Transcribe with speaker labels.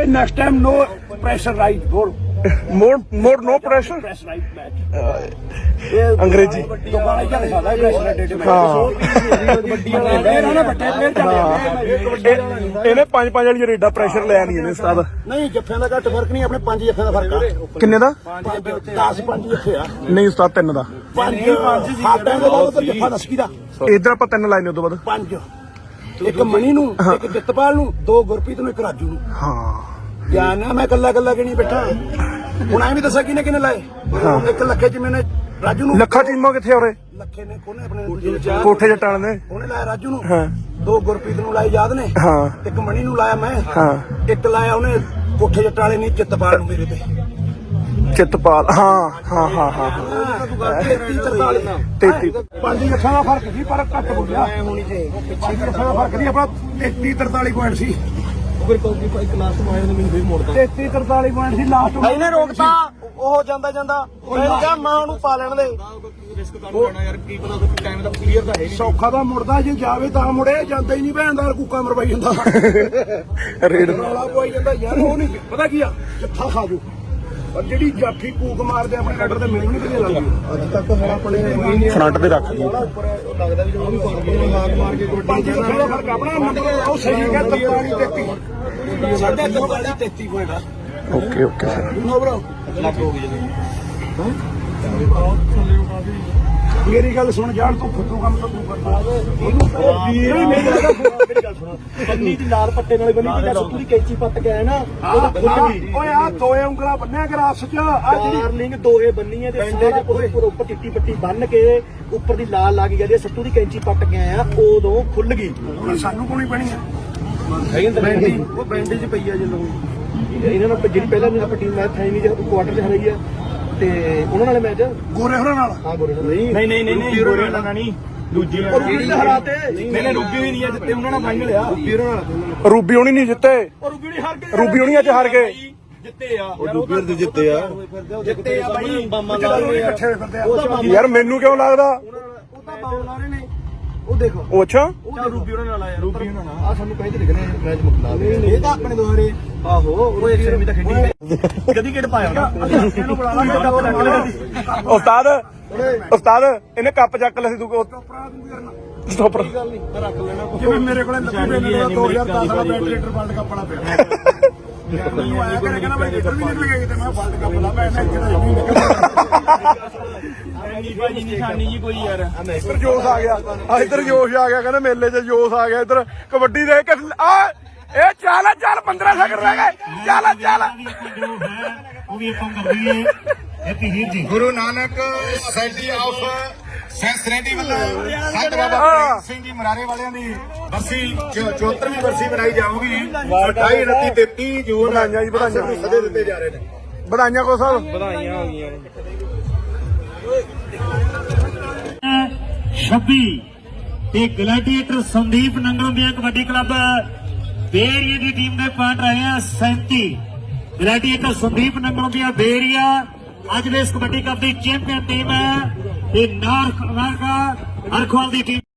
Speaker 1: next time no pressure right
Speaker 2: more no pressure
Speaker 1: press right match
Speaker 2: अंग्रेजी
Speaker 1: ਦੁਬਾਰਾ ਹੀ ਦਿਖਾਦਾ pressure
Speaker 2: ਇਹਨੇ 5 ਵਾਲੀ ਰੇਡਾ ਪ੍ਰੈਸ਼ਰ ਲਿਆ ਨਹੀਂ ਇਹਨੇ ਉਸਤਾਦ
Speaker 1: ਨਹੀਂ ਜੱਫਿਆਂ ਦਾ ਘੱਟ ਫਰਕ ਨਹੀਂ ਆਪਣੇ 5 ਜੱਫਿਆਂ ਦਾ ਫਰਕ ਆ
Speaker 2: ਕਿੰਨੇ ਦਾ
Speaker 1: 10 5 ਜੱਫੇ ਆ
Speaker 2: ਨਹੀਂ ਉਸਤਾਦ 3 ਦਾ
Speaker 1: 5 ਹਾਟਾਂ ਦੇ ਬਾਅਦ ਤਾਂ ਜੱਫਾ ਦੱਸੀ ਦਾ
Speaker 2: ਇਧਰ ਆਪਾਂ 3 ਲਾਈਨੇ ਉਦੋਂ ਬਾਅਦ
Speaker 1: 5 ਇੱਕ ਮਣੀ ਨੂੰ ਇੱਕ ਜਿੱਤਪਾਲ ਨੂੰ 2 ਗੁਰਪ੍ਰੀਤ ਨੂੰ 1 ਰਾਜੂ ਨੂੰ
Speaker 2: ਹਾਂ
Speaker 1: ਧਿਆਨ ਨਾਲ ਮੈਂ ਕੱਲਾ ਕਿ ਨਹੀਂ ਬੈਠਾ ਹੁਣ ਐਵੇਂ ਦੱਸਾਂ ਕਿਹਨੇ ਲਾਏ 1 ਲੱਖੇ ਚ ਮੈਨੇ ਰਾਜੂ ਨੂੰ
Speaker 2: ਲੱਖਾ ਟੀਮਾਂ ਕਿੱਥੇ ਹੋਰੇ
Speaker 1: ਲੱਖੇ ਨੇ ਕੋਨੇ ਆਪਣੇ
Speaker 2: ਕੋਠੇ ਜੱਟਾਂ ਨੇ
Speaker 1: ਉਹਨੇ ਲਾਇਆ ਰਾਜੂ ਨੂੰ
Speaker 2: ਹਾਂ
Speaker 1: 2 ਗੁਰਪ੍ਰੀਤ ਨੂੰ ਲਾਏ ਯਾਦ ਨੇ
Speaker 2: ਹਾਂ
Speaker 1: 1 ਮਣੀ ਨੂੰ ਲਾਇਆ ਮੈਂ
Speaker 2: ਹਾਂ
Speaker 1: 1 ਲਾਇਆ ਉਹਨੇ ਕੋਠੇ ਜੱਟਾਂ ਵਾਲੇ ਨੇ ਜਿੱਤਪਾਲ ਨੂੰ ਮੇਰੇ ਤੇ
Speaker 2: ਚਿੱਤਪਾਲ ਹਾਂ 33
Speaker 1: 5 ਲੱਖਾਂ ਦਾ ਫਰਕ ਸੀ ਪਰ ਘੱਟ ਬੋਲਿਆ ਹੋਣੀ ਚਾਹੀਦੀ 5 ਲੱਖਾਂ ਦਾ ਫਰਕ ਨਹੀਂ ਆਪਣਾ 33-43 ਪੁਆਇੰਟ ਸੀ ਫਿਰ ਕੌਂਕੀ ਇੱਕ ਲਾਸਟ ਪੁਆਇੰਟ ਨੇ ਮੈਨੂੰ ਫਿਰ ਮੋੜਦਾ 33-43 ਪੁਆਇੰਟ ਸੀ ਲਾਸਟ
Speaker 3: ਇਹਨੇ ਰੋਕਤਾ ਉਹ ਜਾਂਦਾ ਮੈਂ ਕਿਹਾ ਮਾਂ ਨੂੰ ਪਾ ਲੈਣ ਦੇ
Speaker 1: ਰਿਸਕ ਕਰ ਲੈਣਾ ਯਾਰ ਕੀ ਪਤਾ ਟਾਈਮ ਦਾ ਕਲੀਅਰ ਤਾਂ ਹੈ ਨਹੀਂ ਸੌਖਾ ਦਾ ਮੁੜਦਾ ਜੇ ਜਾਵੇ ਤਾਂ ਮੁੜੇ ਜਾਂਦਾ ਹੀ ਨਹੀਂ ਭੈਣਦਾਰ ਕੂਕਾ ਮਰਵਾਈ ਜਾਂਦਾ
Speaker 2: ਰੇਡ
Speaker 1: ਰੌਲਾ ਪਵਾਈ ਜਾਂਦਾ ਯਾਰ ਉਹ ਨਹੀਂ ਪਤਾ ਕੀ ਆ ਜੱਫਾ ਖਾ ਜੂ ਪਰ ਜਿਹੜੀ ਜਾਫੀ ਕੂਕ ਮਾਰਦੇ ਆਪਣੇ ਰੈਡਰ ਤੇ ਮੈਨੂੰ ਨਹੀਂ ਵਧੀਆ ਲੱਗਦੀ ਅੱਜ ਤੱਕ ਹੁਣ ਆਪਣੇ
Speaker 2: ਫਰੰਟ ਤੇ ਰੱਖ ਲਈ
Speaker 1: ਲੱਗਦਾ ਵੀ ਜਦੋਂ ਵੀ ਹਾਕ ਮਾਰ ਕੇ ਕੋਈ 5 ਲੱਖ ਦਾ ਫਰਕ ਆਪਣਾ ਨੰਬਰ ਉਹ ਸਹੀ ਹੈ 43-33 ਸਾਡਾ 43-33 ਪੁਆਇੰਟ ਆ
Speaker 2: okay sir
Speaker 1: no bro lakh ਹੋ ਗਈ ਮੇਰੀ ਗੱਲ ਸੁਣ ਜਾਣ ਤੂੰ ਫੁੱਟੂ ਕੰਮ ਤਾਂ ਤੂੰ ਕਰਦਾ
Speaker 3: ਬੰਨੀ ਦੀ ਲਾਲ ਪੱਟੇ ਨਾਲ ਬੰਨੀ ਦੀ ਜੱਸ ਪੂਰੀ ਕੈਂਚੀ ਪੱਟ ਕੇ ਆਇਆ ਨਾ ਉਹਦਾ ਖੁੱਲ ਗਈ
Speaker 1: ਓਏ ਆ 2 ਉਂਗਲਾਂ ਬੰਨਿਆ ਕਰ ਆਪਸ ਚ ਆ ਜਿਹੜੀ
Speaker 3: ਡਾਰਲਿੰਗ ਦੋਏ ਬੰਨੀਆਂ ਤੇ ਸਾਰਾ ਉੱਪਰ ਚਿੱਟੀ ਪੱਟੀ ਬੰਨ ਕੇ ਉੱਪਰ ਦੀ ਲਾਲ ਲੱਗ ਗਈ ਸੱਤੂ ਦੀ ਕੈਂਚੀ ਪੱਟ ਕੇ ਆਇਆ ਉਦੋਂ ਖੁੱਲ ਗਈ
Speaker 1: ਸਾਨੂੰ ਕੋਣੀ ਪੈਣੀ ਆ
Speaker 3: ਉਹ ਬੈਂਡੇਜ ਪਈ ਆ ਜਦੋਂ ਇਹਨਾਂ ਨਾਲ ਜਿਹੜੀ ਪਹਿਲਾਂ ਆਪਾਂ ਟੀਮ ਮੈਚ ਫਾਈਨਲ ਚ ਕੁਆਟਰ ਚ ਹਰਾਈ ਆ ਤੇ ਉਹਨਾਂ ਨਾਲ ਮੈਚ
Speaker 1: ਗੋਰੇ ਹੋਰਾਂ ਨਾਲ
Speaker 3: ਹਾਂ ਗੋਰੇ ਨਹੀਂ ਗੋਰੇ ਨਾਲ ਨਹੀਂ ਦੂਜੀ ਨਾਲ ਹਰਾਤੇ
Speaker 1: ਮੈਨੇ ਰੂਬੀ ਵੀ ਨਹੀਂ ਆ ਜਿੱਤੇ ਉਹਨਾਂ ਨਾਲ ਫਾਈਨਲ ਆ
Speaker 2: ਰੂਬੀ ਹੋਣੀ ਨਹੀਂ ਜਿੱਤੇ
Speaker 1: ਰੂਬੀ ਨਹੀਂ ਹਾਰ ਗਏ
Speaker 2: ਰੂਬੀ ਹੋਣੀ ਅੱਜ ਹਾਰ ਗਏ
Speaker 1: ਜਿੱਤੇ ਆ
Speaker 3: ਉਹ ਦੂਜੇ ਦੇ ਜਿੱਤੇ ਆ
Speaker 1: ਬਾਈ ਬਾਮਾ ਲਾ ਰਹੇ ਇਕੱਠੇ ਹੋਏ ਫਿਰਦੇ ਆ
Speaker 2: ਯਾਰ ਮੈਨੂੰ ਕਿਉਂ ਲੱਗਦਾ
Speaker 3: ਉਹ ਤਾਂ ਬਾਉ ਲਾ ਰਹੇ ਨੇ ਉਹ ਦੇਖੋ
Speaker 2: ਉਹ ਅੱਛਾ
Speaker 3: ਉਹ ਰੂਬੀ ਉਹਨਾਂ ਨਾਲ ਆਇਆ ਰੂਬੀ ਉਹਨਾਂ ਨਾਲ ਆ ਸਾਨੂੰ ਕਹਿੰਦੇ ਲਿਖਣੇ ਮੈਚ ਮੁਕਲਾ ਦੇ ਇਹ ਤਾਂ ਆਪਣੇ ਦੋਹਰੇ ਆਹੋ ਉਹ ਇੱਕ ਵੀ ਤਾਂ ਖੇਡੀ ਕਦੀ ਕਿਹੜ ਪਾਇਆ
Speaker 1: ਇਹਨੂੰ ਬੁਲਾ ਲਾ
Speaker 2: ਉਸਤਾਦ ਇਹਨੇ ਕੱਪ ਚੱਕ ਲਿਆ ਸੀ ਤੂੰ ਸਟੋਪਰ
Speaker 1: ਜਿਵੇਂ ਮੇਰੇ ਕੋਲੇ 2010 ਦਾ ਬੈਟਰੀਟਰ ਵਰਲਡ ਕੱਪ ਵਾਲਾ ਪਿਆ ਮੈਨੂੰ ਆਇਆ ਕਹਿੰਦਾ ਮੈਂ ਲੀਟਰ ਵੀ ਨਿਕਲ ਗਿਆ ਤੇ ਮੈਂ ਵਰਲਡ ਕੱਪ ਲਾ ਮੈਂ
Speaker 3: ਨਿਸ਼ਾਨੀ ਜੀ ਕੋਈ ਯਾਰ
Speaker 2: ਇੱਧਰ ਜੋਸ਼ ਆ ਗਿਆ ਕਹਿੰਦਾ ਮੇਲੇ 'ਚ ਜੋਸ਼ ਆ ਗਿਆ ਇੱਧਰ ਕਬੱਡੀ ਦੇ ਇੱਕ ਇਹ ਚੱਲ 15 ਸੈਕਿੰਡ ਰਹਿ ਗਏ ਚੱਲ
Speaker 4: ਉਹ ਵੀ ਆਪਾਂ ਕਰ ਰਹੀ ਹੈ ਹੈਪੀ ਵੀਰ ਜੀ ਗੁਰੂ ਨਾਨਕ ਸੋਸਾਇਟੀ ਆਫ ਸੈਂਸਰੇਟੀ ਵੱਲੋਂ ਸੰਤ ਬਾਬਾ ਪ੍ਰੀਤ ਸਿੰਘ ਜੀ ਮਰਾਰੇ ਵਾਲਿਆਂ ਦੀ ਬਰਸੀ 74ਵੀਂ ਬਰਸੀ ਮਨਾਈ ਜਾਊਗੀ 28 29 33 ਜੂਨ
Speaker 2: ਵਧਾਈਆਂ ਜੀ ਵਧਾਈਆਂ
Speaker 1: ਸਦੇ ਦਿੱਤੇ ਜਾ ਰਹੇ ਨੇ
Speaker 2: ਵਧਾਈਆਂ ਕੋ ਸਾਹਿਬ
Speaker 3: ਵਧਾਈਆਂ ਹੋ ਗਈਆਂ
Speaker 4: 26 ਤੇ ਗਲੈਡੀਏਟਰ ਸੰਦੀਪ ਨੰਗਲੋਂ ਦੀਆਂ ਕਬੱਡੀ ਕਲੱਬ ਬੇਰੀਆ ਦੀ ਟੀਮ ਦੇ ਪੁਆਇੰਟ ਰਹੇ ਆ 37 ਗਲੈਡੀਏਟਰ ਸੰਦੀਪ ਨੰਗਲੋਂ ਦੀਆਂ ਬੇਰੀਆ ਅੱਜ ਦੇ ਇਸ ਕਬੱਡੀ ਕੱਪ ਦੀ ਚੈਂਪੀਅਨ ਟੀਮ ਹੈ ਤੇ ਨਾਰਕ ਅਰਖਵਾਲ ਦੀ ਟੀਮ